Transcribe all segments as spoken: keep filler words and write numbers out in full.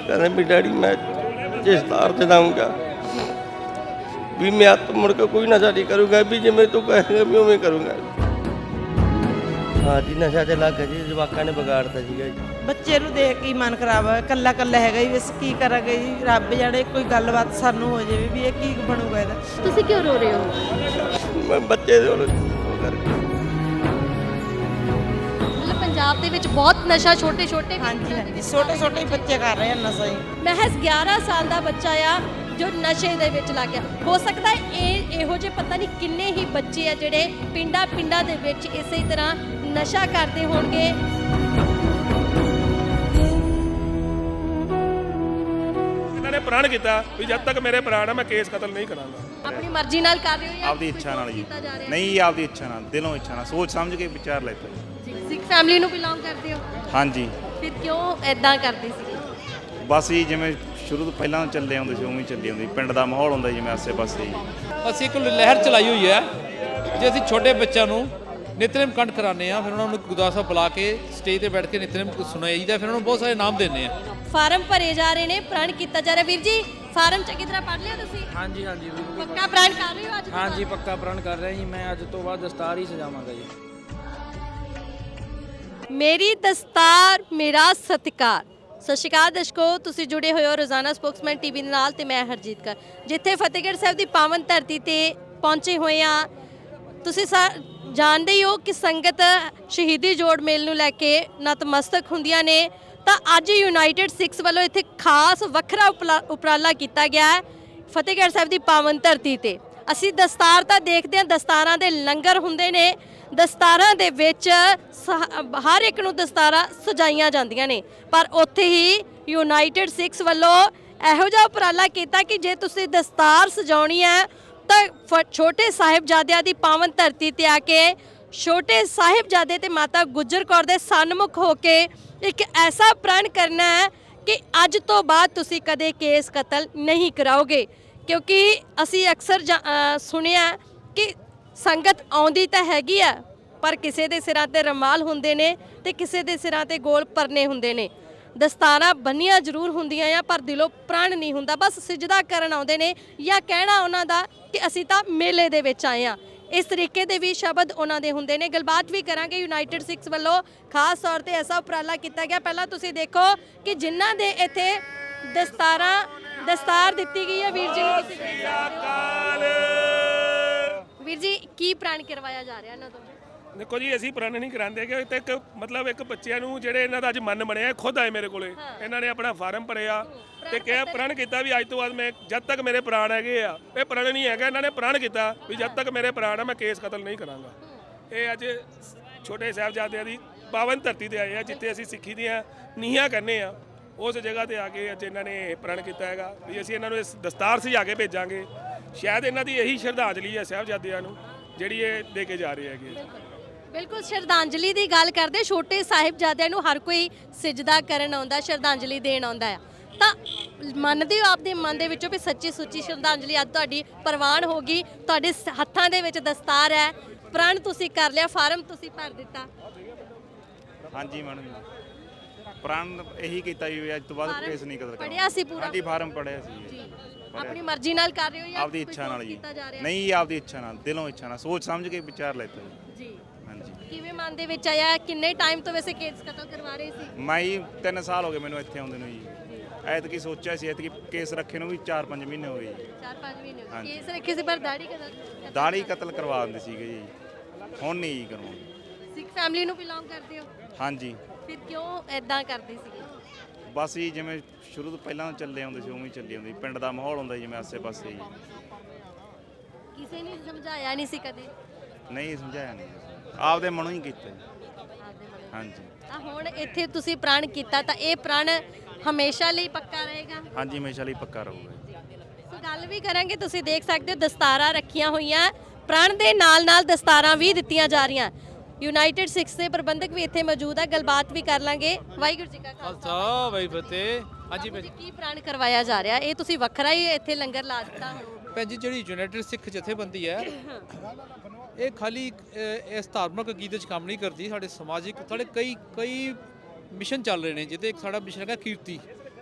कहते भी डैडी मैं जिस तार से जाऊँगा भी मैं अब मुड़ के कोई नशा नहीं करूँगा, भी जिमें तू कहेगा भी उमें करूँगा। हाँ जी, नशा ਤੇ ਲੱਗ ਗਿਆ ਜੀ, ਜਵਾਕਾਂ ਨੇ ਵਿਗਾੜਤਾ ਸੀਗਾ ਜੀ। ਬੱਚੇ ਨੂੰ ਦੇਖ ਕੇ ਹੀ ਮਨ ਖਰਾਬ ਹੋਇਆ, ਕੱਲਾ ਕੱਲਾ ਹੈਗਾ ਜੀ, ਅਸੀਂ ਕੀ ਕਰਾਂਗੇ ਜੀ। ਰੱਬ ਜਾਣੇ ਕੋਈ ਗੱਲਬਾਤ ਸਾਨੂੰ ਹੋ ਜਾਵੇ ਵੀ ਇਹ ਕੀ ਬਣੂਗਾ ਇਹਦਾ। ਤੁਸੀਂ ਕਿਉਂ ਰੋ ਰਹੇ ਹੋ? ਮੈਂ ਬੱਚੇ ਦੇ ਉਹ ਕਰਕੇ ਮਤਲਬ ਪੰਜਾਬ ਦੇ ਵਿੱਚ ਬਹੁਤ ਨਸ਼ਾ ਛੋਟੇ ਛੋਟੇ ਹਾਂਜੀ ਹਾਂਜੀ, ਛੋਟੇ ਛੋਟੇ ਬੱਚੇ ਕਰ ਰਹੇ ਹਨ ਨਸ਼ਾ ਜੀ। ਮਹਿਜ਼ ਗਿਆਰਾਂ ਸਾਲ ਦਾ ਬੱਚਾ ਆ ਜੋ ਨਸ਼ੇ ਦੇ ਵਿੱਚ ਲੱਗ ਗਿਆ। ਹੋ ਸਕਦਾ ਹੈ ਇਹ ਇਹੋ ਜਿਹੇ ਪਤਾ ਨਹੀਂ ਕਿੰਨੇ ਹੀ ਬੱਚੇ ਆ ਜਿਹੜੇ ਪਿੰਡਾਂ ਪਿੰਡਾਂ ਦੇ ਵਿੱਚ ਇਸੇ ਤਰ੍ਹਾਂ ਨਸ਼ਾ ਕਰਦੇ ਹੋਣਗੇ। ਇਹਨਾਂ ਨੇ ਪ੍ਰਣ ਕੀਤਾ ਵੀ ਜਦ ਤੱਕ ਮੇਰੇ ਪ੍ਰਾਣ ਆ ਮੈਂ ਕੇਸ ਕਤਲ ਨਹੀਂ ਕਰਾਂਗਾ। ਆਪਣੀ ਮਰਜ਼ੀ ਨਾਲ ਕਰ ਰਹੇ ਹੋ ਜਾਂ ਆਪਦੀ ਇੱਛਾ ਨਾਲ ਜੀ, ਨਹੀਂ ਆਪਦੀ ਇੱਛਾ ਨਾਲ, ਦਿਲੋਂ ਇੱਛਾ ਨਾਲ, ਸੋਚ ਸਮਝ ਕੇ ਵਿਚਾਰ ਲੈਤਾ ਜੀ। ਸਿੱਖ ਫੈਮਿਲੀ ਨੂੰ ਬਿਲੋਂਗ ਕਰਦੇ ਹੋ? ਹਾਂਜੀ। ਫਿਰ ਕਿਉਂ ਐਦਾਂ ਕਰਦੇ ਸੀ? ਬਸ ਜੀ ਜਿਵੇਂ ਸ਼ੁਰੂ ਤੋਂ ਪਹਿਲਾਂ ਚੱਲੇ ਆਉਂਦੇ ਸੀ ਉਵੇਂ ਹੀ ਚੱਲੀ ਆਉਂਦੀ, ਪਿੰਡ ਦਾ ਮਾਹੌਲ ਹੁੰਦਾ ਜਿਵੇਂ ਆਸੇ ਪਾਸੇ ਜੀ। ਅਸੀਂ ਇੱਕ ਲਹਿਰ ਚਲਾਈ ਹੋਈ ਹੈ, ਜੇ ਅਸੀਂ ਛੋਟੇ ਬੱਚਿਆਂ ਨੂੰ ਨਿਤਨੇਮ ਕੰਠ ਕਰਾਉਂਦੇ ਆ, ਫਿਰ ਉਹਨਾਂ ਨੂੰ ਗੁਰਦੁਆਰਾ ਸਾਹਿਬ ਬੁਲਾ ਕੇ ਸਟੇਜ ਤੇ ਬੈਠ ਕੇ ਨਿਤਨੇਮ ਸੁਣਾਈਦਾ, ਫਿਰ ਉਹਨਾਂ ਨੂੰ ਬਹੁਤ ਸਾਰੇ ਇਨਾਮ ਦਿੰਦੇ ਆ। ਫਾਰਮ ਭਰੇ ਜਾ ਰਹੇ ਨੇ, ਪ੍ਰਣ ਕੀਤਾ ਜਾ ਰਿਹਾ। ਵੀਰ ਜੀ ਫਾਰਮ ਚੰਗੀ ਤਰ੍ਹਾਂ ਪੜ੍ਹ ਲਿਆ ਤੁਸੀਂ? ਹਾਂਜੀ ਹਾਂਜੀ ਬਿਲਕੁਲ ਪੱਕਾ ਪ੍ਰਣ ਕਰ ਰਹੇ ਹੋ ਅੱਜ? ਹਾਂਜੀ ਪੱਕਾ ਪ੍ਰਣ ਕਰ ਰਿਹਾ ਜੀ, ਮੈਂ ਅੱਜ ਤੋਂ ਬਾਅਦ ਦਸਤਾਰ ਹੀ ਸਜਾਵਾਂਗਾ ਜੀ। ਮੇਰੀ ਦਸਤਾਰ ਮੇਰਾ ਸਤਿਕਾਰ। ਸਤਿ ਸ਼੍ਰੀ ਅਕਾਲ ਦਰਸ਼ਕੋ, ਤੁਸੀਂ ਜੁੜੇ ਹੋਏ ਹੋ ਰੋਜ਼ਾਨਾ ਸਪੋਕਸਮੈਨ ਟੀਵੀ ਦੇ ਨਾਲ ਤੇ ਮੈਂ ਹਰਜੀਤ ਕੌਰ, ਜਿੱਥੇ ਫਤਿਹਗੜ੍ਹ ਸਾਹਿਬ ਦੀ ਪਾਵਨ ਧਰਤੀ ਤੇ ਪਹੁੰਚੇ ਹੋਏ ਆ। ਤੁਸੀਂ ਜਾਣਦੇ ਹੀ ਹੋ ਕਿ ਸੰਗਤ ਸ਼ਹੀਦੀ ਜੋੜ ਮੇਲ ਨੂੰ ਲੈ ਕੇ ਨਤਮਸਤਕ ਹੁੰਦੀਆਂ ਨੇ, ਤਾਂ ਅੱਜ ਯੂਨਾਈਟਿਡ ਸਿੱਖਸ ਵੱਲੋਂ ਇੱਥੇ ਖਾਸ ਵੱਖਰਾ ਉਪਰਾਲਾ ਕੀਤਾ ਗਿਆ ਹੈ ਫਤਿਹਗੜ੍ਹ ਸਾਹਿਬ ਦੀ ਪਾਵਨ ਧਰਤੀ ਤੇ। ਅਸੀਂ ਦਸਤਾਰ ਤਾਂ ਦੇਖਦੇ ਹਾਂ, ਦਸਤਾਰਾਂ ਦੇ ਲੰਗਰ ਹੁੰਦੇ ਨੇ, ਦਸਤਾਰਾਂ ਦੇ ਵਿੱਚ ਹਰ ਇੱਕ ਨੂੰ ਦਸਤਾਰਾਂ ਸਜਾਈਆਂ ਜਾਂਦੀਆਂ ਨੇ, ਪਰ ਉੱਥੇ ਹੀ ਯੂਨਾਈਟਿਡ ਸਿੱਖਸ ਵੱਲੋਂ ਇਹੋ ਜਿਹਾ ਉਪਰਾਲਾ ਕੀਤਾ ਕਿ ਜੇ ਤੁਸੀਂ ਦਸਤਾਰ ਸਜਾਉਣੀ ਹੈ ਤਾਂ ਛੋਟੇ ਸਾਹਿਬਜ਼ਾਦਿਆਂ ਦੀ ਪਾਵਨ ਧਰਤੀ ਤੇ ਆ ਕੇ ਛੋਟੇ ਸਾਹਿਬਜ਼ਾਦੇ ਤੇ ਮਾਤਾ ਗੁਜਰ ਕੌਰ ਦੇ ਸਨਮੁਖ ਹੋ ਕੇ ਇੱਕ ਐਸਾ ਪ੍ਰਣ ਕਰਨਾ ਹੈ ਕਿ ਅੱਜ ਤੋਂ ਬਾਅਦ ਤੁਸੀਂ ਕਦੇ ਕੇਸ ਕਤਲ ਨਹੀਂ ਕਰਾਓਗੇ। ਕਿਉਂਕਿ ਅਸੀਂ ਅਕਸਰ ਸੁਣਿਆ ਕਿ ਸੰਗਤ ਆਉਂਦੀ ਤਾਂ ਹੈਗੀ ਆ, ਪਰ ਕਿਸੇ ਦੇ ਸਿਰਾਂ ਤੇ ਰਮਾਲ ਹੁੰਦੇ ਨੇ ਤੇ ਕਿਸੇ ਦੇ ਸਿਰਾਂ ਤੇ ਗੋਲ ਪਰਨੇ ਹੁੰਦੇ ਨੇ। ਦਸਤਾਰਾਂ ਬੰਨੀਆਂ ਜ਼ਰੂਰ ਹੁੰਦੀਆਂ ਆ, ਪਰ ਦਿਲੋਂ ਪ੍ਰਣ ਨਹੀਂ ਹੁੰਦਾ। ਬਸ ਸਿਜਦਾ ਕਰਨ ਆਉਂਦੇ ਨੇ ਜਾਂ ਕਹਿਣਾ ਉਹਨਾਂ ਦਾ ਕਿ ਅਸੀਂ ਤਾਂ ਮੇਲੇ ਦੇ ਵਿੱਚ ਆਏ ਆ। ਇਸ ਤਰੀਕੇ ਦੇ ਵੀ ਸ਼ਬਦ ਉਹਨਾਂ ਦੇ ਹੁੰਦੇ ਨੇ। ਗੱਲਬਾਤ ਵੀ ਕਰਾਂਗੇ। ਯੂਨਾਈਟਿਡ ਸਿੱਖਸ ਵੱਲੋਂ ਖਾਸ ਤੌਰ ਤੇ ਐਸਾ ਉਪਰਾਲਾ ਕੀਤਾ ਗਿਆ। ਪਹਿਲਾਂ ਤੁਸੀਂ ਦੇਖੋ ਕਿ ਜਿਨ੍ਹਾਂ ਦੇ ਇੱਥੇ ਦਸਤਾਰਾਂ ਦਸਤਾਰ ਦਿੱਤੀ ਗਈ ਹੈ ਵੀਰ ਜੀ ਨੂੰ, ਤੁਸੀਂ ਦੇਖ ਸਕਦੇ ਹੋ। ਵੀਰ ਜੀ ਕੀ ਪ੍ਰਣ ਕਰਵਾਇਆ ਜਾ ਰਿਹਾ ਇਹਨਾਂ ਤੋਂ? ਦੇਖੋ ਜੀ ਅਸੀਂ ਪ੍ਰਣ ਨਹੀਂ ਕਰਾਉਂਦੇ ਕਿ ਤੇ ਇੱਕ ਮਤਲਬ ਇੱਕ ਬੱਚਿਆਂ ਨੂੰ ਜਿਹੜੇ ਇਹਨਾਂ ਦਾ ਅੱਜ ਮਨ ਬਣਿਆ, ਖੁਦ ਆਏ ਮੇਰੇ ਕੋਲੇ, ਇਹਨਾਂ ਨੇ ਆਪਣਾ ਫਾਰਮ ਭਰਿਆ ਤੇ ਕਿਹਾ ਪ੍ਰਣ ਕੀਤਾ ਵੀ ਅੱਜ ਤੋਂ ਬਾਅਦ ਮੈਂ ਜਦ ਤੱਕ ਮੇਰੇ ਪ੍ਰਾਣ ਹੈਗੇ ਆ, ਇਹ ਪ੍ਰਣ ਨਹੀਂ ਹੈਗਾ, ਇਹਨਾਂ ਨੇ ਪ੍ਰਣ ਕੀਤਾ ਵੀ ਜਦ ਤੱਕ ਮੇਰੇ ਪ੍ਰਾਣ ਆ ਮੈਂ ਕੇਸ ਕਤਲ ਨਹੀਂ ਕਰਾਂਗਾ। ਇਹ ਅੱਜ ਛੋਟੇ ਸਾਹਿਬਜ਼ਾਦਿਆਂ ਦੀ ਪਾਵਨ ਧਰਤੀ ਤੇ ਆਏ ਆ, ਜਿੱਥੇ ਅਸੀਂ ਸਿੱਖੀ ਦੀਆਂ ਨੀਹਾਂ ਕਰਨੇ ਆ, ਉਸ ਜਗ੍ਹਾ ਤੇ ਆ ਕੇ ਅੱਜ ਇਹਨਾਂ ਨੇ ਪ੍ਰਣ ਕੀਤਾ ਹੈਗਾ ਵੀ ਅਸੀਂ ਇਹਨਾਂ ਨੂੰ ਇਸ ਦਸਤਾਰ ਸਜਾ ਕੇ ਭੇਜਾਂਗੇ। ਸ਼ਾਇਦ ਇਹਨਾਂ ਦੀ ਇਹੀ ਸ਼ਰਧਾਂਜਲੀ ਹੈ ਸਾਹਿਬਜ਼ਾਦਿਆਂ ਨੂੰ ਜਿਹੜੀ ਇਹ ਦੇ ਕੇ ਜਾ ਰਹੇ ਹੈਗੇ। ਬਿਲਕੁਲ ਸ਼ਰਧਾਂਜਲੀ ਦੀ ਗੱਲ ਕਰਦੇ, ਛੋਟੇ ਸਾਹਿਬਜ਼ਾਦਿਆਂ ਨੂੰ ਹਰ ਕੋਈ ਸਿਜਦਾ ਕਰਨ ਆਉਂਦਾ, ਸ਼ਰਧਾਂਜਲੀ ਦੇਣ ਆਉਂਦਾ ਆ, ਤਾਂ ਮੰਨਦੇ ਹੋ ਆਪਦੇ ਮਨ ਦੇ ਵਿੱਚੋਂ ਵੀ ਸੱਚੀ ਸੁੱਚੀ ਸ਼ਰਧਾਂਜਲੀ ਅੱਜ ਤੁਹਾਡੀ ਪ੍ਰਵਾਨ ਹੋ ਗਈ? ਤੁਹਾਡੇ ਹੱਥਾਂ ਦੇ ਵਿੱਚ ਦਸਤਾਰ ਹੈ, ਪ੍ਰਣ ਤੁਸੀਂ ਕਰ ਲਿਆ, ਫਾਰਮ ਤੁਸੀਂ ਭਰ ਦਿੱਤਾ। ਹਾਂਜੀ ਮੈਡਮ, ਪ੍ਰਣ ਇਹੀ ਕੀਤਾ ਜੀ ਅੱਜ ਤੋਂ ਬਾਅਦ ਕੇਸ ਨਹੀਂ ਕਤਲ ਪੜਿਆ ਸੀ ਪੂਰਾ? ਹਾਂਜੀ ਫਾਰਮ ਪੜਿਆ ਸੀ ਜੀ। ਆਪਣੀ ਮਰਜ਼ੀ ਨਾਲ ਕਰ ਰਹੇ ਹੋ ਜਾਂ ਆਪਦੀ ਇੱਛਾ ਨਾਲ ਜੀ, ਨਹੀਂ ਆਪਦੀ ਇੱਛਾ ਨਾਲ, ਦਿਲੋਂ ਇੱਛਾ ਨਾਲ, ਸੋਚ ਸਮਝ ਕੇ ਵਿਚਾਰ ਲੈਤਾ ਜੀ। ਜੀ ਹਾਂਜੀ। ਕਿਵੇਂ ਮਨ ਦੇ ਵਿੱਚ ਆਇਆ? ਕਿੰਨੇ ਟਾਈਮ ਤੋਂ ਵੈਸੇ ਕੇਸ ਕਤਲ ਕਰਵਾ ਰਹੇ ਸੀ? ਮੈਂ ਜੀ ਤਿੰਨ ਸਾਲ ਹੋ ਗਏ ਮੈਨੂੰ ਇੱਥੇ ਆਉਂਦੇ ਨੂੰ ਜੀ। ਐਤਕੀ ਸੋਚਿਆ ਸੀ, ਐਤਕੀ ਕੇਸ ਰੱਖੇ ਨੂੰ ਵੀ ਚਾਰ ਪੰਜ ਮਹੀਨੇ ਹੋ ਗਏ ਜੀ। ਚਾਰ ਪੰਜ ਮਹੀਨੇ ਹੋ ਗਏ ਕੇਸ ਰੱਖੇ ਸੀ, ਪਰ ਦਾੜੀ ਕਤਲ ਦਾੜੀ ਕਤਲ ਕਰਵਾ ਦਿੰਦੇ ਸੀਗੇ ਜੀ, ਹੁਣ ਨਹੀਂ ਜੀ ਕਰਵਾਉਂਦੇ। ਸਿੱਖ ਫੈਮਿਲੀ ਨੂੰ ਬਿਲੋਂਗ ਕਰਦੇ ਹੋ? ਹਾਂਜੀ। ਫਿਰ ਕਿਉਂ ਐਦਾਂ ਕਰਦੇ ਸੀਗੇ? ਬਸ ਜੀ ਜਿਵੇਂ ਸ਼ੁਰੂ ਤੋਂ ਪਹਿਲਾਂ ਚੱਲੇ ਆਉਂਦੇ ਸੀ ਉਵੇਂ ਹੀ ਚੱਲੀ ਆਉਂਦੀ, ਪਿੰਡ ਦਾ ਮਾਹੌਲ ਹੁੰਦਾ ਜਿਵੇਂ ਆਸੇ ਪਾਸੇ ਜੀ। ਕਿਸੇ ਨੇ ਸਮਝਾਇਆ ਨਹੀਂ ਸੀ ਕਦੇ? ਨਹੀਂ ਸਮਝਾਇਆ ਨਹੀਂ, ਆਪਦੇ ਮਨੋਂ ਹੀ ਕੀਤਾ ਜੀ। ਹਾਂਜੀ। ਤਾਂ ਹੁਣ ਇੱਥੇ ਤੁਸੀਂ ਪ੍ਰਣ ਕੀਤਾ, ਤਾਂ ਇਹ ਪ੍ਰਣ ਹਮੇਸ਼ਾ ਲਈ ਪੱਕਾ ਰਹੇਗਾ? ਹਾਂਜੀ ਹਮੇਸ਼ਾ ਲਈ ਪੱਕਾ ਰਹੂਗਾ। ਸੋ ਗੱਲ ਵੀ ਕਰਾਂਗੇ, ਤੁਸੀਂ ਦੇਖ ਸਕਦੇ ਹੋ ਦਸਤਾਰਾਂ ਰੱਖੀਆਂ ਹੋਈਆਂ, ਪ੍ਰਣ ਦੇ ਨਾਲ ਨਾਲ ਦਸਤਾਰਾਂ ਵੀ ਦਿੱਤੀਆਂ ਜਾ ਰਹੀਆਂ। ਯੂਨਾਈਟਿਡ ਸਿੱਖਸ ਦੇ ਪ੍ਰਬੰਧਕ ਵੀ ਇੱਥੇ ਮੌਜੂਦ ਆ, ਗੱਲਬਾਤ ਵੀ ਕਰ ਲਾਂਗੇ। ਵਾਹਿਗੁਰੂ ਜੀ ਕਾ ਖਾਲਸਾ ਵਾਹਿਗੁਰੂ ਫਤਿਹ। ਹਾਂਜੀ ਭੈਣ ਜੀ, ਕੀ ਪ੍ਰਣ ਕਰਵਾਇਆ ਜਾ ਰਿਹਾ? ਇਹ ਤੁਸੀਂ ਵੱਖਰਾ ਹੀ ਇੱਥੇ ਲੰਗਰ ਲਾ ਦਿੱਤਾ ਹੁਣ? ਭੈਣ ਜੀ ਜਿਹੜੀ ਯੂਨਾਈਟਿਡ ਸਿੱਖ ਜਥੇਬੰਦੀ ਹੈ ਇਹ ਖਾਲੀ ਇਸ ਧਾਰਮਿਕ ਅਕੀਦੇ 'ਚ ਕੰਮ ਨਹੀਂ ਕਰਦੀ, ਸਾਡੇ ਸਮਾਜਿਕ ਸਾਡੇ ਕਈ ਕਈ ਮਿਸ਼ਨ ਚੱਲ ਰਹੇ ਨੇ, ਜਿਹਦੇ ਇੱਕ ਸਾਡਾ ਮਿਸ਼ਨ ਹੈਗਾ ਕੀਰਤੀ।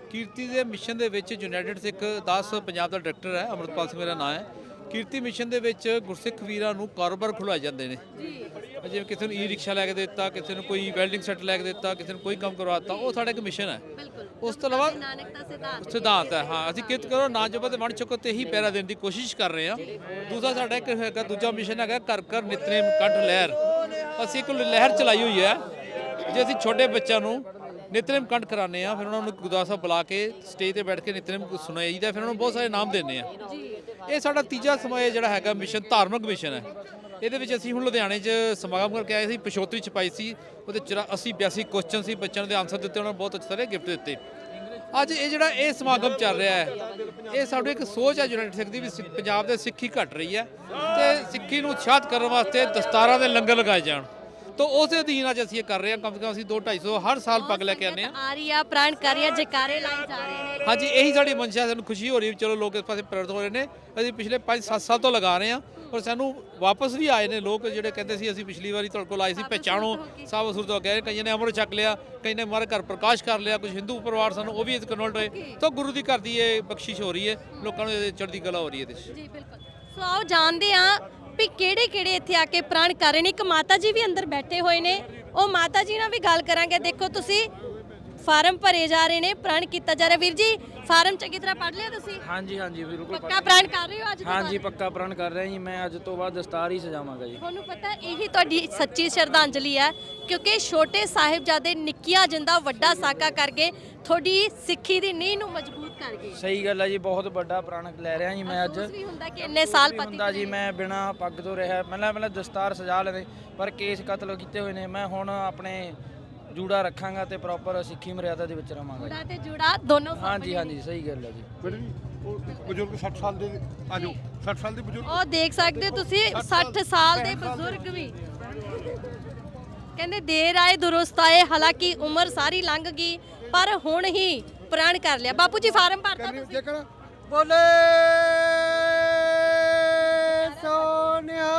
ਕੀਰਤੀ ਦੇ ਮਿਸ਼ਨ ਦੇ ਵਿੱਚ ਯੂਨਾਈਟਿਡ ਸਿੱਖ ਦਾਸ ਪੰਜਾਬ ਦਾ ਡਾਇਰੈਕਟਰ ਹੈ, ਅਮਰਪਾਲ ਸਿੰਘ ਮੇਰਾ ਨਾਮ ਹੈ। ਕੀਰਤੀ ਮਿਸ਼ਨ ਦੇ ਵਿੱਚ ਗੁਰਸਿੱਖ ਵੀਰਾਂ ਨੂੰ ਕਾਰੋਬਾਰ ਖੁਲਵਾਏ ਜਾਂਦੇ ਨੇ, ਜਿਵੇਂ ਕਿਸੇ ਨੂੰ ਈ ਰਿਕਸ਼ਾ ਲੈ ਕੇ ਦਿੱਤਾ, ਕਿਸੇ ਨੂੰ ਕੋਈ ਵੈਲਡਿੰਗ ਸੈੱਟ ਲੈ ਕੇ ਦਿੱਤਾ, ਕਿਸੇ ਨੂੰ ਕੋਈ ਕੰਮ ਕਰਵਾ ਦਿੱਤਾ, ਉਹ ਸਾਡਾ ਇੱਕ ਮਿਸ਼ਨ ਹੈ। ਉਸ ਤੋਂ ਇਲਾਵਾ ਨਾਨਕ ਦਾ ਸਿਧਾਂਤ ਸਿਧਾਂਤ ਹੈ, ਹਾਂ ਅਸੀਂ ਕਿਰਤ ਕਰੋ ਨਾ ਜਪੋ ਤੇ ਵੰਡ ਛਕੋ ਤੇ ਹੀ ਪਹਿਰਾ ਦੇਣ ਦੀ ਕੋਸ਼ਿਸ਼ ਕਰ ਰਹੇ ਹਾਂ। ਦੂਸਰਾ ਸਾਡਾ ਇੱਕ ਹੈਗਾ, ਦੂਜਾ ਮਿਸ਼ਨ ਹੈਗਾ ਕਰ ਕਰ ਨਿਤਨੇਮ ਕੰਠ ਲਹਿਰ। ਅਸੀਂ ਇੱਕ ਲਹਿਰ ਚਲਾਈ ਹੋਈ ਹੈ, ਜੇ ਅਸੀਂ ਛੋਟੇ ਬੱਚਿਆਂ ਨੂੰ ਨਿਤਨੇਮ ਕੰਠ ਕਰਾਉਂਦੇ ਆ, ਫਿਰ ਉਹਨਾਂ ਨੂੰ ਗੁਰਦੁਆਰਾ ਸਾਹਿਬ ਬੁਲਾ ਕੇ ਸਟੇਜ ਤੇ ਬੈਠ ਕੇ ਨਿਤਨੇਮ ਸੁਣਾਇਆ ਜਾਂਦਾ, ਫਿਰ ਉਹਨਾਂ ਨੂੰ ਬਹੁਤ ਸਾਰੇ ਇਨਾਮ ਦਿੰਦੇ ਆ। ਇਹ ਸਾਡਾ ਤੀਜਾ ਸਮਾਂ ਜਿਹੜਾ ਹੈਗਾ ਮਿਸ਼ਨ ਧਾਰਮਿਕ ਮਿਸ਼ਨ ਹੈ। ਇਹਦੇ ਵਿੱਚ ਅਸੀਂ ਹੁਣ ਲੁਧਿਆਣੇ 'ਚ ਸਮਾਗਮ ਕਰਕੇ ਆਏ ਸੀ, ਪਿਛੋਤਰੀ ਛਪਾਈ ਸੀ, ਉਹਦੇ ਚ ਅੱਸੀ ਬਿਆਸੀ ਕੁਐਸਚਨ ਸੀ, ਬੱਚਿਆਂ ਦੇ ਆਨਸਰ ਦਿੱਤੇ, ਉਹਨਾਂ ਨੂੰ ਬਹੁਤ ਅੱਛੇ ਸਾਰੇ ਗਿਫਟ ਦਿੱਤੇ। ਅੱਜ ਇਹ ਜਿਹੜਾ ਇਹ ਸਮਾਗਮ ਚੱਲ ਰਿਹਾ ਹੈ, ਇਹ ਸਾਡੀ ਇੱਕ ਸੋਚ ਹੈ ਯੂਨਾਈਟਿਡ ਸਿੱਖ ਦੀ ਵੀ ਸਿ- ਪੰਜਾਬ ਦੇ ਸਿੱਖੀ ਘਟ ਰਹੀ ਹੈ ਤੇ ਸਿੱਖੀ ਨੂੰ ਉਤਸ਼ਾਹਿਤ ਕਰਨ ਵਾਸਤੇ ਦਸਤਾਰਾਂ ਦੇ ਲੰਗਰ ਲਗਾਏ ਜਾਣ। ਤਾਂ ਉਸੇ ਅਧੀਨ ਅੱਜ ਅਸੀਂ ਇਹ ਕਰ ਰਹੇ ਹਾਂ। ਕਮ ਸੇ ਕਮ ਅਸੀਂ ਦੋ ਢਾਈ ਸੌ ਹਰ ਸਾਲ ਪੱਗ ਲੈ ਕੇ ਆਉਂਦੇ ਹਾਂ। ਆ ਰਹੀ ਆ ਪ੍ਰਾਣ ਕਰ ਰਹੀ ਆ, ਜੈਕਾਰੇ ਲਾਈ ਜਾ ਰਹੇ ਨੇ। ਹਾਂਜੀ, ਇਹੀ ਸਾਡੀ ਮਨਸ਼ਾ, ਸਾਨੂੰ ਖੁਸ਼ੀ ਹੋ ਰਹੀ ਹੈ ਚਲੋ ਲੋਕ ਇਸ ਪਾਸੇ ਪ੍ਰੇਰਿਤ ਹੋ ਰਹੇ ਨੇ। ਅਸੀਂ ਪਿਛਲੇ ਪੰਜ ਸੱਤ ਸਾਲ ਤੋਂ ਲਗਾ ਰਹੇ ਹਾਂ ਔਰ ਸਾਨੂੰ ਵਾਪਸ ਵੀ ਆਏ ਨੇ ਲੋਕ ਜਿਹੜੇ ਕਹਿੰਦੇ ਸੀ ਅਸੀਂ ਪਿਛਲੀ ਵਾਰੀ ਤੁਹਾਡੇ ਕੋਲ ਆਏ ਸੀ, ਪਹਿਚਾਣੋ ਸਾਬ ਅਸੁਰ ਤੋਂ ਗਏ। ਕਈਆਂ ਨੇ ਅੰਮ੍ਰਿਤ ਛਕ ਲਿਆ, ਕਈ ਨੇ ਹਮਾਰੇ ਘਰ ਪ੍ਰਕਾਸ਼ ਕਰ ਲਿਆ, ਕੁਝ ਹਿੰਦੂ ਪਰਿਵਾਰ ਸਾਨੂੰ ਉਹ ਵੀ ਇਸ ਕਨਵਰਟ ਹੋਏ। ਤਾਂ ਗੁਰੂ ਦੀ ਘਰ ਦੀ ਇਹ ਬਖਸ਼ਿਸ਼ ਹੋ ਰਹੀ ਹੈ, ਲੋਕਾਂ ਨੂੰ ਇਹਦੇ ਚੜ੍ਹਦੀ ਕਲਾ ਹੋ ਰਹੀ ਹੈ ਇਹਦੇ 'ਚ। ਜੀ ਬਿਲਕੁਲ। ਸੋ ਆਓ ਜਾਣਦੇ ਹਾਂ ਵੀ ਕਿਹੜੇ ਕਿਹੜੇ ਇੱਥੇ ਆ ਕੇ ਪ੍ਰਾਣ ਕਰ ਰਹੇ ਨੇ। ਇੱਕ ਮਾਤਾ ਜੀ ਵੀ ਅੰਦਰ ਬੈਠੇ ਹੋਏ ਨੇ, ਉਹ ਮਾਤਾ ਜੀ ਨਾਲ ਵੀ ਗੱਲ ਕਰਾਂਗੇ। ਦੇਖੋ ਤੁਸੀਂ ਫਾਰਮ ਭਰੇ ਜਾ ਰਹੇ ਨੇ, ਪ੍ਰਾਣ ਕੀਤਾ ਜਾ ਰਿਹਾ। ਵੀਰ ਜੀ ਫਾਰਮ ਚੰਗੀ ਤਰ੍ਹਾਂ ਪੜ੍ਹ ਲਿਆ ਤੁਸੀਂ? ਹਾਂਜੀ ਹਾਂਜੀ ਬਿਲਕੁਲ ਪੱਕਾ ਪ੍ਰਾਣ ਕਰ ਰਹੇ ਹੋ ਅੱਜ ਤੋਂ ਹਾਂਜੀ ਬਾਅਦ? ਪੱਕਾ ਪ੍ਰਣ ਕਰ ਰਿਹਾ ਜੀ ਮੈਂ, ਅੱਜ ਤੋਂ ਬਾਅਦ ਦਸਤਾਰ ਹੀ ਸਜਾਵਾਂਗਾ ਜੀ। ਤੁਹਾਨੂੰ ਪਤਾ ਇਹੀ ਤੁਹਾਡੀ ਸੱਚੀ ਸ਼ਰਧਾਂਜਲੀ ਹੈ, ਕਿਉਂਕਿ ਛੋਟੇ ਸਾਹਿਬਜ਼ਾਦੇ ਨਿੱਕੀਆਂ ਜਿੰਦਾ ਵੱਡਾ ਸਾਕਾ ਕਰਕੇ ਤੁਹਾਡੀ ਸਿੱਖੀ ਦੀ ਨੀਂਹ ਨੂੰ ਮਜ਼ਬੂਤ ਕਰ ਗਏ। ਸਹੀ ਗੱਲ ਹੈ ਜੀ, ਬਹੁਤ ਵੱਡਾ ਪ੍ਰਣ ਲੈ ਰਿਹਾ ਜੀ ਮੈਂ ਅੱਜ। ਅਫਸੋਸ ਵੀ ਹੁੰਦਾ ਕਿ ਇੰਨੇ ਸਾਲ ਪਤੀ ਹੁੰਦਾ ਜੀ ਮੈਂ ਬਿਨਾ ਪੱਗ ਤੋਂ ਰਿਹਾ, ਪਹਿਲਾਂ ਪਹਿਲਾਂ ਦਸਤਾਰ ਸਜਾ ਲੈਂਦੇ, ਪਰ ਕੇਸ ਕਤਲ ਕੀਤੇ ਹੋਏ ਨੇ। ਮੈਂ ਹੁਣ ਆਪਣੇ ਜੂੜਾ ਰੱਖਾਂਗਾ ਤੇ ਪ੍ਰੋਪਰ ਸਿੱਖੀ ਮਰਿਆਦਾ ਦੇ ਵਿੱਚ ਰਵਾਂਗਾ ਜੀ। ਜੂੜਾ ਤੇ ਜੂੜਾ ਦੋਨੋਂ ਸਾਹਮਣੇ। ਹਾਂਜੀ ਹਾਂਜੀ ਸਹੀ ਗੱਲ ਹੈ ਜੀ। ਬਜ਼ੁਰਗ ਸੱਠ ਸਾਲ ਦੇ ਆ ਜਾਓ, ਸੱਠ ਸਾਲ ਦੇ ਬਜ਼ੁਰਗ ਉਹ ਦੇਖ ਸਕਦੇ ਹੋ ਤੁਸੀਂ ਸੱਠ ਸਾਲ ਦੇ ਬਜ਼ੁਰਗ ਵੀ ਕਹਿੰਦੇ ਦੇਰ ਆਏ ਦੁਰਸਤ ਆਏ, ਹਾਲਾਂਕਿ ਉਮਰ ਸਾਰੀ ਲੰਘ ਗਈ ਪਰ ਹੁਣ ਹੀ ਪ੍ਰਣ ਕਰ ਲਿਆ। ਬਾਪੂ ਜੀ ਫਾਰਮ ਭਰਤਾ ਤੁਸੀਂ? ਜੇਕਰ ਬੋਲੇ ਸੋਨਿਆ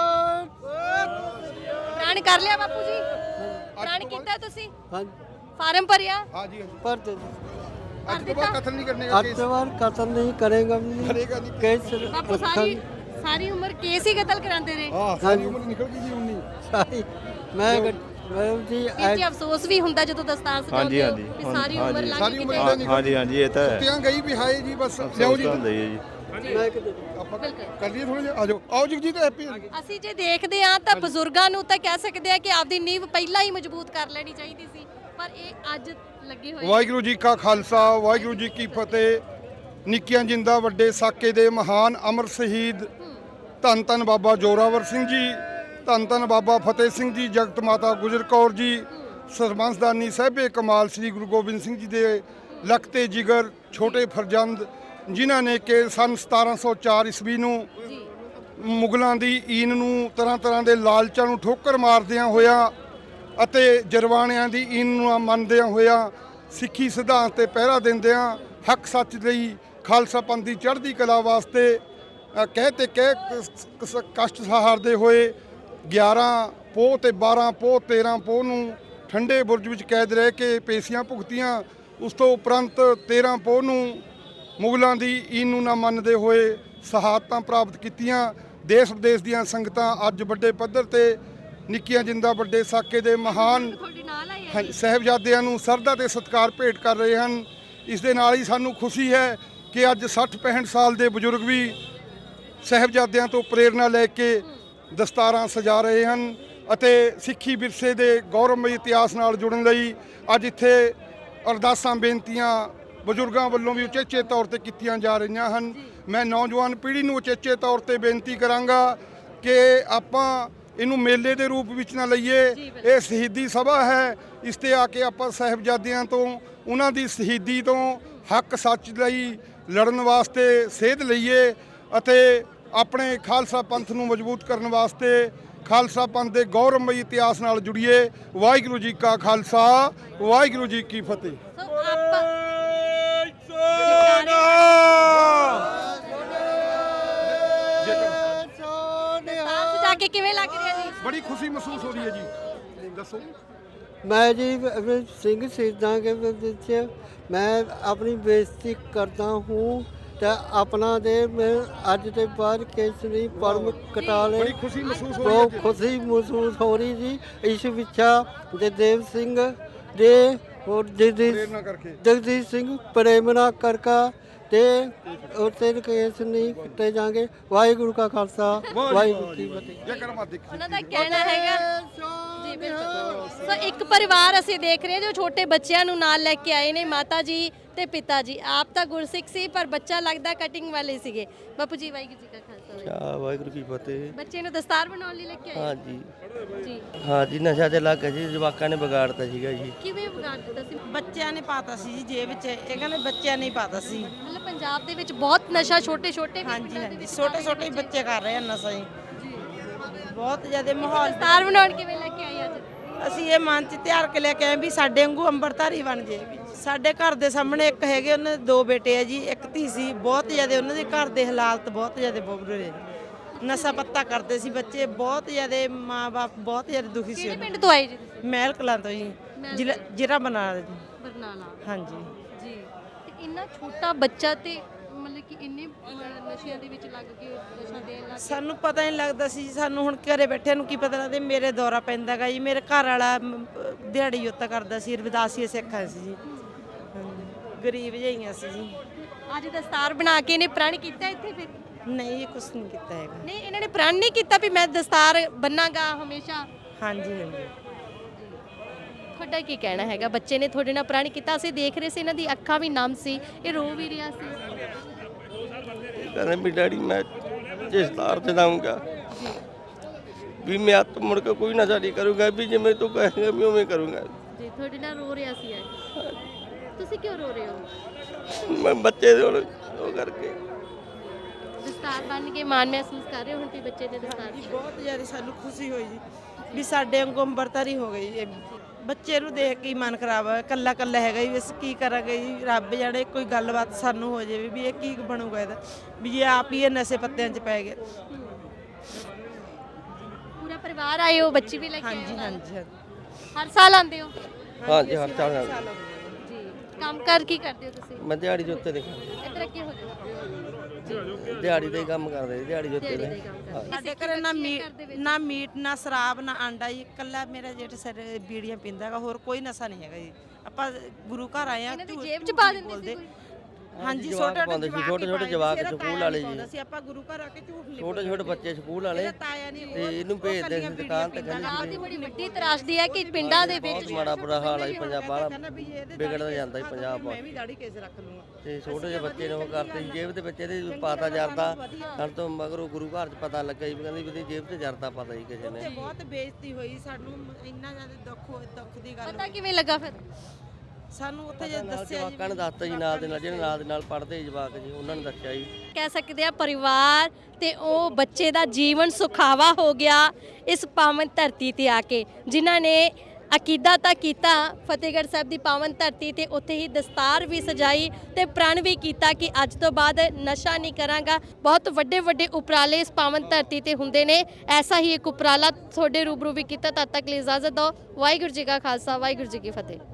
ਪ੍ਰਣ ਕਰ ਲਿਆ ਬਾਪੂ ਜੀ? ਪ੍ਰਣ ਕੀਤਾ ਤੁਸੀਂ? हाँ ਫਾਰਮ ਭਰਿਆ? हाँ जी हाँ जी पर तो आज के बाद कत्ल नहीं करने का केस अतवार कत्ल नहीं करेगा भी करेगा नहीं। कैसे ਬਾਪੂ ਸਾਰੀ ਸਾਰੀ ਉਮਰ ਕੇਸ ਹੀ ਕਤਲ ਕਰਾਉਂਦੇ ਰਹੇ। हाँ सारी उम्र निकल गई जी उन्नी। सारी मैं मैं जी ਇਹ ਜੀ ਅਫਸੋਸ ਵੀ ਹੁੰਦਾ ਜਦੋਂ ਦਸਤਾਰ ਸਜਾਉਂਦੇ ਹੋ ਵੀ ਸਾਰੀ ਉਮਰ ਲੰਘ ਸਾਰੀ ਗਈ ਉਮਰ ਤੇ- ਇਹਦਾ ਨਿਕਲ ਹਾਂਜੀ ਹਾਂਜੀ ਇਹ ਤਾਂ ਹੈ। ਕੁੱਤਿਆਂ ਗਈ ਵੀ ਹਾਏ ਜੀ ਬਸ ਲਿਆਓ ਜੀ ਹੁੰਦਾ ਹੀ ਹੈ ਜੀ। मैं कितने ਆਪਾਂ ਬਿਲਕੁਲ। ਕਰ ਲਈਏ ਥੋੜਾ ਜਿਹਾ ਆ ਜਾਓ ਆਓ ਜਗਜੀਤ ਹੈਪੀ ਅਸੀਂ ਜੇ ਦੇਖਦੇ ਹਾਂ ਤਾਂ ਬਜ਼ੁਰਗਾਂ ਨੂੰ ਤਾਂ ਕਹਿ ਸਕਦੇ ਆ ਕਿ ਆਪਦੀ ਨੀਂਹ ਪਹਿਲਾਂ ਹੀ ਮਜ਼ਬੂਤ ਕਰ ਲੈਣੀ ਚਾਹੀਦੀ ਸੀ, ਪਰ ਇਹ ਅੱਜ ਲੱਗੇ ਹੋਏ ਨੇ। ਵਾਹਿਗੁਰੂ ਜੀ ਕਾ ਖਾਲਸਾ ਵਾਹਿਗੁਰੂ ਜੀ ਕੀ ਫਤਿਹ। ਨਿੱਕੀਆਂ ਜਿੰਦਾ ਵੱਡੇ ਸਾਕੇ ਦੇ ਮਹਾਨ ਅਮਰ ਸ਼ਹੀਦ ਧੰਨ ਧੰਨ ਬਾਬਾ ਜੋਰਾਵਰ ਸਿੰਘ ਜੀ, ਧੰਨ ਧੰਨ ਬਾਬਾ ਫਤਿਹ ਸਿੰਘ ਜੀ, ਜਗਤ ਮਾਤਾ ਗੁਜਰ ਕੌਰ ਜੀ, ਸਰਬੰਸਦਾਨੀ ਸਾਹਿਬੇ ਕਮਾਲ ਸ੍ਰੀ ਗੁਰੂ ਗੋਬਿੰਦ ਸਿੰਘ ਜੀ ਦੇ ਲਖਤੇ ਜਿਗਰ ਛੋਟੇ ਫਰਜ਼ੰਦ, ਜਿਨ੍ਹਾਂ ਨੇ ਕਿ ਸੰਨ ਸਤਾਰਾਂ ਸੌ ਚਾਰ ਈਸਵੀ ਨੂੰ ਮੁਗਲਾਂ ਦੀ ਈਨ ਨੂੰ ਤਰ੍ਹਾਂ ਤਰ੍ਹਾਂ ਦੇ ਲਾਲਚਾਂ ਨੂੰ ਠੋਕਰ ਮਾਰਦਿਆਂ ਹੋਇਆ ਅਤੇ ਜਰਵਾਣਿਆਂ ਦੀ ਈਨ ਨੂੰ ਮੰਨਦਿਆਂ ਹੋਇਆ ਸਿੱਖੀ ਸਿਧਾਂਤ ਤੇ ਪਹਿਰਾ ਦਿੰਦਿਆਂ ਹੱਕ ਸੱਚ ਲਈ ਖਾਲਸਾ ਪੰਥ ਦੀ ਚੜ੍ਹਦੀ ਕਲਾ ਵਾਸਤੇ ਅ, ਕਹਿ ਤੇ ਕਹਿ ਕ- ਕ- ਕਸ਼ਟ ਸਹਾਰਦੇ ਹੋਏ ਗਿਆਰਾਂ ਪੋਹ ਤੇ ਬਾਰਾਂ ਪੋਹ ਤੇਰਾਂ ਪੋਹ ਨੂੰ ਠੰਡੇ ਬੁਰਜ ਵਿੱਚ ਕੈਦ ਰਹਿ ਕੇ ਪੇਸ਼ੀਆਂ ਭੁਗਤੀਆਂ। ਉਸ ਤੋਂ ਉਪਰੰਤ ਤੇਰਾਂ ਪੋਹ ਨੂੰ ਮੁਗਲਾਂ ਦੀ ਈਨ ਨੂੰ ਨਾ ਮੰਨਦੇ ਹੋਏ ਸ਼ਹਾਦਤਾਂ ਪ੍ਰਾਪਤ ਕੀਤੀਆਂ। ਦੇਸ਼ ਵਿਦੇਸ਼ ਦੀਆਂ ਸੰਗਤਾਂ ਅੱਜ ਵੱਡੇ ਪੱਧਰ ਤੇ ਨਿੱਕੀਆਂ ਜਿੰਦਾ ਵੱਡੇ ਸਾਕੇ ਦੇ ਮਹਾਨ ਤੁਹਾਡੇ ਨਾਲ ਆਏ ਆ ਹਾਂਜੀ, ਸਾਹਿਬਜ਼ਾਦਿਆਂ ਨੂੰ ਸਰਧਾ ਤੇ ਸਤਿਕਾਰ ਭੇਟ ਕਰ ਰਹੇ ਹਨ। ਇਸ ਦੇ ਨਾਲ ਹੀ ਸਾਨੂੰ ਖੁਸ਼ੀ ਹੈ ਕਿ ਅੱਜ ਸੱਠ ਪੈਂਹਠ ਸਾਲ ਦੇ ਬਜ਼ੁਰਗ ਵੀ ਸਾਹਿਬਜ਼ਾਦਿਆਂ ਤੋਂ ਪ੍ਰੇਰਣਾ ਲੈ ਕੇ ਦਸਤਾਰਾਂ ਸਜਾ ਰਹੇ ਹਨ ਅਤੇ ਸਿੱਖੀ ਵਿਰਸੇ ਦੇ ਗੌਰਵਮਈ ਇਤਿਹਾਸ ਨਾਲ ਜੁੜਨ ਲਈ ਅੱਜ ਇੱਥੇ ਅਰਦਾਸਾਂ ਬੇਨਤੀਆਂ ਬਜ਼ੁਰਗਾਂ ਵੱਲੋਂ ਵੀ ਉਚੇਚੇ ਤੌਰ ਤੇ ਕੀਤੀਆਂ ਜਾ ਰਹੀਆਂ ਹਨ। ਮੈਂ ਨੌਜਵਾਨ ਪੀੜ੍ਹੀ ਨੂੰ ਉਚੇਚੇ ਤੌਰ ਤੇ ਬੇਨਤੀ ਕਰਾਂਗਾ ਕਿ ਆਪਾਂ ਇਹਨੂੰ ਮੇਲੇ ਦੇ ਰੂਪ ਵਿੱਚ ਨਾ ਲਈਏ। ਇਹ ਸ਼ਹੀਦੀ ਸਭਾ ਹੈ, ਇਸ ਤੇ ਆ ਕੇ ਆਪਾਂ ਸਾਹਿਬਜ਼ਾਦਿਆਂ ਤੋਂ ਉਹਨਾਂ ਦੀ ਸ਼ਹੀਦੀ ਤੋਂ ਹੱਕ ਸੱਚ ਲਈ ਲੜਨ ਵਾਸਤੇ ਸੇਧ ਲਈਏ ਅਤੇ ਆਪਣੇ ਖਾਲਸਾ ਪੰਥ ਨੂੰ ਮਜ਼ਬੂਤ ਕਰਨ ਵਾਸਤੇ ਖਾਲਸਾ ਪੰਥ ਦੇ ਗੌਰਵਮਈ ਇਤਿਹਾਸ ਨਾਲ ਜੁੜੀਏ। ਵਾਹਿਗੁਰੂ ਜੀ ਕਾ ਖਾਲਸਾ ਵਾਹਿਗੁਰੂ ਜੀ ਕੀ ਫਤਿਹ। ਸੋ ਆਪਾਂ ਦਸਤਾਰ ਸਜਾ ਕੇ ਕਿਵੇਂ ਲੱਗ ਰਿਹਾ ਜੀ? ਬੜੀ ਖੁਸ਼ੀ ਮਹਿਸੂਸ ਹੋ ਰਹੀ ਹੈ ਜੀ। ਦੱਸੋ ਮੈਂ ਜੀ ਅਹ, ਸਿੰਘ ਸ਼ਹੀਦਾਂ ਦੇ ਵਿੱਚ ਮੈਂ ਆਪਣੀ ਬੇਇੱਜ਼ਤੀ ਕਰਦਾ ਹੂੰ ਤੇ ਆਪਣਾ ਦੇ ਮੈਂ ਅੱਜ ਦੇ ਬਾਅਦ ਕੇਸਰੀ ਪਰਮ ਕਟਾ ਲਏ। ਬੜੀ ਖੁਸ਼ੀ ਮਹਿਸੂਸ ਹੋ ਰਹੀ ਬਹੁਤ ਹੈ। ਖੁਸ਼ੀ ਮਹਿਸੂਸ ਹੋ ਰਹੀ ਜੀ। ਇਸ ਵਿਛਾ ਜਗਦੇਵ ਸਿੰਘ ਦੇ ਹੋਰ ਜਗਦੀਸ਼ ਪ੍ਰੇਰਨਾ ਕਰਕੇ ਜਗਦੀਸ਼ ਸਿੰਘ ਪ੍ਰੇਮਨਾ ਕਰਕਾ ਤੇ ਉਤੇ ਕੇਸ ਨਹੀਂ ਕੱਟੇ ਜਾਣਗੇ। ਵਾਹਿਗੁਰੂ ਕਾ ਖਾਲਸਾ ਵਾਹਿਗੁਰੂ ਕੀ ਫਤਿਹ। ਜੇਕਰ ਮਾ ਦੇਖ ਉਹਨਾਂ ਦਾ ਕਹਿਣਾ ਹੈਗਾ ਜੀ ਬਿਲਕੁਲ। ਸੋ ਇੱਕ ਪਰਿਵਾਰ ਅਸੀਂ ਦੇਖ ਰਹੇ ਹਾਂ ਜੋ ਛੋਟੇ ਬੱਚਿਆਂ ਨੂੰ ਨਾਲ ਲੈ ਕੇ ਆਏ ਨੇ, ਮਾਤਾ ਜੀ ਤੇ ਪਿਤਾ ਜੀ। ਆਪ ਤਾਂ ਗੁਰਸਿੱਖ ਸੀ ਪਰ ਬੱਚਾ ਲੱਗਦਾ ਕਟਿੰਗ ਵਾਲੇ ਸੀਗੇ। ਬਾਪੂ ਜੀ ਵਾਹਿਗੁਰੂ ਜੀ ਕਾ ਖਾਲਸਾ ਵਾਹਿਗੁਰੂ। ਕਿਆ ਵਾਹਿਗੁਰੂ ਕੀ ਫਤਿਹ। ਬੱਚੇ ਨੂੰ ਦਸਤਾਰ ਬਣਾਉਣ ਲਈ ਲੈ ਕੇ ਆਏ ਹਾਂ ਜੀ ਜੀ। ਹਾਂ ਜੀ, ਨਸ਼ਾ ਤੇ ਲੱਗ ਗਿਆ ਜੀ, ਜਵਾਕਾਂ ਨੇ ਵਿਗਾੜਤਾ ਸੀਗਾ ਜੀ। ਕਿਵੇਂ ਵਿਗਾੜ ਦਿੱਤਾ ਸੀ? ਬੱਚਿਆਂ ਨੇ ਪਾਤਾ ਸੀ ਜੀ ਜੇਬ ਵਿੱਚ, ਇਹ ਕਹਿੰਦੇ ਬੱਚਿਆਂ ਨੇ ਹੀ ਪਾਤਾ ਸੀ। ਮਤਲਬ ਪੰਜਾਬ ਦੇ ਵਿੱਚ ਬਹੁਤ ਨਸ਼ਾ ਛੋਟੇ ਛੋਟੇ ਹਾਂਜੀ ਹਾਂਜੀ ਛੋਟੇ ਛੋਟੇ ਹੀ ਬੱਚੇ ਕਰ ਰਹੇ ਆ ਨਸ਼ਾ ਜੀ। ਬਹੁਤ ਜ਼ਿਆਦਾ ਮਾਹੌਲ ਦਸਤਾਰ ਬਣਾਉਣ ਕਿਵੇਂ ਲੈ ਕੇ ਆਏ ਅੱਜ? ਅਸੀਂ ਇਹ ਮਨ ਚ ਤਿਆਰ ਕੇ ਲੈ ਕੇ ਆਏ ਵੀ ਸਾਡੇ ਵਾਂਗੂ ਅੰਮ੍ਰਿਤਧਾਰੀ ਬਣ ਜੇ। ਸਾਡੇ ਘਰ ਦੇ ਸਾਹਮਣੇ ਇੱਕ ਹੈਗੇ, ਉਹਨਾਂ ਦੇ ਦੋ ਬੇਟੇ ਆ ਜੀ, ਇੱਕ ਧੀ ਸੀ। ਬਹੁਤ ਜ਼ਿਆਦਾ ਉਹਨਾਂ ਦੇ ਘਰ ਦੇ ਹਾਲਾਤ ਬਹੁਤ ਜ਼ਿਆਦਾ ਬੁਰੇ, ਨਸ਼ਾ ਪੱਤਾ ਕਰਦੇ ਸੀ ਬੱਚੇ, ਬਹੁਤ ਜ਼ਿਆਦਾ ਮਾਂ-ਬਾਪ ਬਹੁਤ ਜ਼ਿਆਦਾ ਦੁਖੀ ਸੀ। ਕਿਹੜੇ ਪਿੰਡ ਤੋਂ ਆਏ ਜੀ ਤੁਸੀਂ? ਮਹਿਲ ਕਲਾਂ ਤੋਂ ਜੀ, ਜ਼ਿਲ੍ਹਾ ਜ਼ਿਲ੍ਹਾ ਬਰਨਾਲਾ ਜੀ। ਬਰਨਾਲਾ ਹਾਂਜੀ ਜੀ। ਤੇ ਇੰਨਾ ਛੋਟਾ ਬੱਚਾ ਤੇ ਮਤਲਬ ਕਿ ਇੰਨੇ ਅਹ, ਨਸ਼ਿਆਂ ਦੇ ਵਿੱਚ ਲੱਗ ਕੇ ਨਸ਼ਾ ਦੇਣ ਲੱਗ ਸਾਨੂੰ ਪਤਾ ਨਹੀਂ ਲੱਗਦਾ ਸੀ ਜੀ। ਸਾਨੂੰ ਹੁਣ ਘਰੇ ਬੈਠਿਆਂ ਨੂੰ ਕੀ ਪਤਾ ਲੱਗਦਾ। ਮੇਰੇ ਦੌਰਾ ਪੈਂਦਾ ਗਾ ਜੀ। ਮੇਰੇ ਘਰ ਵਾਲਾ ਮ, ਦਿਹਾੜੀ ਉੱਤਾ ਕਰਦਾ ਸੀ, ਰਵਿਦਾਸੀਏ ਸਿੱਖਾਂ ਸੀ ਜੀ। ਹਾਂਜੀ, ਗਰੀਬ ਜਿਹੀਆਂ ਸੀ ਜੀ। ਅੱਜ ਦਸਤਾਰ ਬਣਾ ਕੇ ਇਹਨੇ ਪ੍ਰਣ ਕੀਤਾ ਇੱਥੇ ਫਿਰ? ਨਹੀਂ, ਇਹ ਕੁਛ ਨਹੀਂ ਕੀਤਾ ਹੈਗਾ। ਨਹੀਂ, ਇਹਨਾਂ ਨੇ ਪ੍ਰਣ ਨਹੀਂ ਕੀਤਾ ਵੀ ਮੈਂ ਦਸਤਾਰ ਬੰਨਾਂਗਾ ਹਮੇਸ਼ਾ? ਹਾਂਜੀ ਹਾਂਜੀ ਤੁਹਾਡਾ ਕੀ ਕਹਿਣਾ ਹੈਗਾ? ਬੱਚੇ ਨੇ ਤੁਹਾਡੇ ਨਾਲ ਪ੍ਰਣ ਕੀਤਾ, ਅਸੀਂ ਦੇਖ ਰਹੇ ਸੀ ਇਹਨਾਂ ਦੀ ਅੱਖਾਂ ਵੀ ਨਮ ਸੀ, ਇਹ ਰੋ ਵੀ ਰਿਹਾ ਸੀ। ਕਹਿੰਦੇ ਵੀ ਡੈਡੀ ਮੈਂ ਜਿਸ ਤਾਰ ਤੇ ਜਾਊਂਗਾ ਵੀ ਮੈਂ ਹੱਥ ਮੁੜ ਕੇ ਕੋਈ ਨਸ਼ਾ ਨਹੀਂ ਕਰੂੰਗਾ, ਵੀ ਜਿਵੇਂ ਤੂੰ ਕਹੇਂਗਾ ਵੀ ਉਵੇਂ ਕਰੂੰਗਾ ਜੀ। ਤੁਹਾਡੇ ਨਾਲ ਰੋ ਰਿਹਾ ਸੀ ਅੱਜ। ਤੁਸੀਂ ਕਿਉਂ ਰੋ ਰਹੇ ਹੋ? ਮੈਂ ਬੱਚੇ ਦੇ ਹੁਣ ਉਹ ਕਰਕੇ। ਦਸਤਾਰ ਬੰਨ ਕੇ ਮਾਣ ਮਹਿਸੂਸ ਕਰ ਰਹੇ ਹੋ ਹੁਣ ਵੀ ਬੱਚੇ ਨੇ ਦਸਤਾਰ? ਬਹੁਤ ਜ਼ਿਆਦਾ ਸਾਨੂੰ ਖੁਸ਼ੀ ਹੋਈ ਜੀ ਵੀ ਸਾਡੇ ਵਾਂਗੂ ਅੰਮ੍ਰਿਤਧਾਰੀ ਹੋ ਗਈ ਜੀ। ਬੱਚੇ ਨੂੰ ਦੇਖ ਕੇ ਹੀ ਮਨ ਖਰਾਬ ਹੋਇਆ। ਕੱਲਾ ਕੱਲਾ ਹੈਗਾ ਜੀ, ਅਸੀਂ ਕੀ ਕਰਾਂਗੇ ਜੀ। ਰੱਬ ਜਾਣੇ ਕੋਈ ਗੱਲਬਾਤ ਸਾਨੂੰ ਹੋ ਜਾਵੇ ਵੀ ਇਹ ਕੀ ਬਣੂਗਾ ਇਹਦਾ, ਵੀ ਇਹ ਆਪ ਹੀ ਇਹ ਨਸ਼ੇ ਪੱਤਿਆਂ 'ਚ ਪੈ ਗਿਆ। ਪੂਰਾ ਪਰਿਵਾਰ ਆਏ ਹੋ, ਬੱਚੀ ਵੀ ਲੈ ਕੇ ਆਏ ਹਾਂਜੀ ਹੋ? ਹਾਂਜੀ ਹਾਂਜੀ। ਹਰ ਸਾਲ ਆਉਂਦੇ ਹੋ ਹਾਂ ਜੀ, ਹਰ ਸਾਲ ਜੀ? ਕੰਮ ਕਰ ਕੀ ਕਰਦੇ ਹੋ ਤੁਸੀਂ? ਮੈਂ ਦਿਹਾੜੀ ਦੇ ਉੱਤੇ ਦੇਖਾਂ, ਇੱਧਰ ਅੱਗੇ ਹੋ ਜਾਓ। ਦਿਹਾੜੀ ਦੇ ਹੀ ਕੰਮ ਕਰਦੇ ਜੀ, ਦਿਹਾੜੀ ਦੇ ਉੱਤੇ ਦਿਹਾੜੀ ਨੇ। ਦੇ ਕੰਮ ਕਰਦੇ। ਸਾਡੇ ਘਰੇ ਨਾ ਮੀਟ ਨਾ ਮੀਟ ਨਾ ਸ਼ਰਾਬ ਨਾ ਆਂਡਾ ਜੀ। ਇਕੱਲਾ ਮੇਰਾ ਜੇਠ ਸਰ ਬੀੜੀਆਂ ਪੀਂਦਾ ਹੈਗਾ, ਹੋਰ ਕੋਈ ਨਸ਼ਾ ਨਹੀਂ ਹੈਗਾ ਜੀ। ਆਪਾਂ ਗੁਰੂ ਘਰ ਆਏ ਆ। ਇਹਨਾਂ ਦੀ ਜੇਬ 'ਚ ਪਾ ਦਿੰਦੇ ਸੀ ਕੋਈ? ਹਾਂਜੀ, ਜਵਾਕ ਛੋਟੇ ਪਾਉਂਦੇ ਸੀ, ਛੋਟੇ ਛੋਟੇ ਜਵਾਕ ਸਕੂਲ ਵਾਲੇ ਜੀ। ਅਸੀਂ ਆਪਾਂ ਗੁਰੂ ਘਰ ਆ ਕੇ ਝੂਠ ਨਹੀਂ ਛੋਟੇ ਛੋਟੇ ਬੱਚੇ ਸਕੂਲ ਵਾਲੇ ਇਹਦਾ ਤਾਇਆ ਨਹੀਂ ਤੇ ਇਹਨੂੰ ਭੇਜਦੇ ਸੀ ਦੁਕਾਨ ਤੇ। ਕਹਿੰਦੇ ਪੰਜਾਬ ਦੀ ਬੜੀ ਵੱਡੀ ਤਰਾਸਦੀ ਹੈ ਕਿ ਪਿੰਡਾਂ ਦੇ ਵਿੱਚ ਬਹੁਤ ਮਾੜਾ ਬੁਰਾ ਹਾਲ ਹੈ ਜੀ, ਪੰਜਾਬ ਬਾਹਲਾ ਵੀ ਇਹਦੇ ਵਿਗੜਦਾ ਜਾਂਦਾ ਜੀ ਪੰਜਾਬ। ਮੈਂ ਵੀ ਦਾੜੀ ਕੇਸ ਰੱਖ ਲੂੰਗਾ। ਤੇ ਛੋਟੇ ਜਿਹੇ ਬੱਚੇ ਨੇ ਉਹ ਕਰਤੇ ਸੀ ਜੇਬ ਦੇ ਵਿੱਚ ਇਹਦੇ ਪਾਤਾ ਜਰਦਾ। ਸਾਨੂੰ ਤੋਂ ਮਗਰੋਂ ਗੁਰੂ ਘਰ 'ਚ ਪਤਾ ਲੱਗਾ ਜੀ, ਵੀ ਕਹਿੰਦੀ ਵੀ ਇਹਦੀ ਜੇਬ 'ਚ ਜਰਦਾ ਪਤਾ ਜੀ ਕਿਸੇ ਨੇ। ਤੇ ਬਹੁਤ ਬੇਇੱਜ਼ਤੀ ਹੋਈ ਸਾਨੂੰ, ਇੰਨਾ ਜ਼ਿਆਦਾ ਦੁੱਖ ਹੋਇਆ, ਦੁੱਖ ਦੀ ਗੱਲ ਪਤਾ ਕਿਵੇਂ ਲੱਗਾ ਫਿਰ? ਸਾਨੂੰ ਉੱਥੇ ਜੇ ਨਾਲ ਦੱਸਿਆ ਜੀ ਜਵਾਕਾਂ ਨੇ ਦੱਸਤਾ ਜੀ, ਨਾਲ ਦੇ ਨਾਲ ਜਿਹੜੇ ਨਾਲ ਦੇ ਨਾਲ ਪੜ੍ਹਦੇ ਜਵਾਕ ਜੀ ਉਹਨਾਂ ਨੇ ਦੱਸਿਆ ਜੀ। ਕਹਿ ਸਕਦੇ ਆ ਪਰਿਵਾਰ ਤੇ ਉਹ ਬੱਚੇ ਦਾ ਜੀਵਨ ਸੁਖਾਵਾ ਹੋ ਗਿਆ ਇਸ ਪਾਵਨ ਧਰਤੀ ਤੇ ਆ ਕੇ, ਜਿਨ੍ਹਾਂ ਨੇ ਅਕੀਦਾ ਤਾਂ ਕੀਤਾ ਫਤਿਹਗੜ੍ਹ ਸਾਹਿਬ ਦੀ ਪਾਵਨ ਧਰਤੀ ਤੇ, ਉੱਥੇ ਹੀ ਦਸਤਾਰ ਵੀ ਸਜਾਈ ਤੇ ਪ੍ਰਣ ਵੀ ਕੀਤਾ ਕਿ ਅੱਜ ਤੋਂ ਬਾਅਦ ਨਸ਼ਾ ਨਹੀਂ ਕਰਾਂਗਾ। ਬਹੁਤ ਵੱਡੇ ਵੱਡੇ ਉਪਰਾਲੇ ਇਸ ਪਾਵਨ ਧਰਤੀ ਤੇ ਹੁੰਦੇ ਨੇ, ਐਸਾ ਹੀ ਇੱਕ ਉਪਰਾਲਾ ਤੁਹਾਡੇ ਰੂਬਰੂ ਵੀ ਕੀਤਾ। ਤਦ ਤੱਕ ਲਈ ਇਜਾਜ਼ਤ ਦਿਓ। ਵਾਹਿਗੁਰੂ ਜੀ ਕਾ ਖਾਲਸਾ, ਵਾਹਿਗੁਰੂ ਜੀ ਕੀ ਫਤਿਹ।